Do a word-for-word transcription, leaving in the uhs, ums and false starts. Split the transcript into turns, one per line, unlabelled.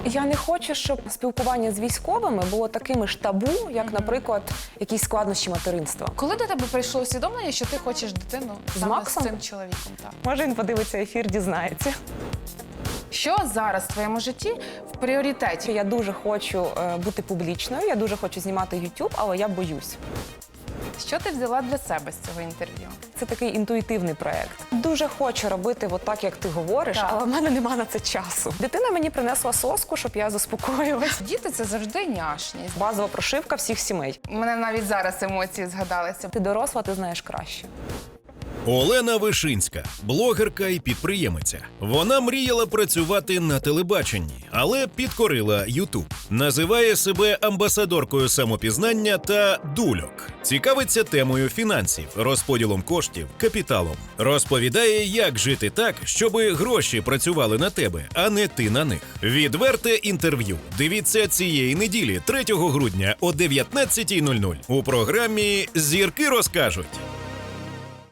Я не хочу, щоб спілкування з військовими було таким ж табу, як, наприклад, якісь складнощі материнства.
Коли до тебе прийшло усвідомлення, що ти хочеш дитину саме
Максом?
з цим чоловіком? Так.
Може, він подивиться ефір, дізнається.
Що зараз в твоєму житті в пріоритеті?
Я дуже хочу е, бути публічною, я дуже хочу знімати YouTube, але я боюсь.
Що ти взяла для себе з цього інтерв'ю?
Це такий інтуїтивний проєкт. Дуже хочу робити от так, як ти говориш,
Так.
але в мене нема на це часу. Дитина мені принесла соску, щоб я заспокоїлась.
Діти – це завжди няшність.
Базова прошивка всіх сімей.
У мене навіть зараз емоції згадалися.
Ти доросла, ти знаєш краще.
Олена Вишинська – блогерка і підприємиця. Вона мріяла працювати на телебаченні, але підкорила Ютуб. Називає себе амбасадоркою самопізнання та дульок. Цікавиться темою фінансів, розподілом коштів, капіталом. Розповідає, як жити так, щоби гроші працювали на тебе, а не ти на них. Відверте інтерв'ю. Дивіться цієї неділі, третього грудня о дев'ятнадцятій нуль нуль у програмі «Зірки розкажуть».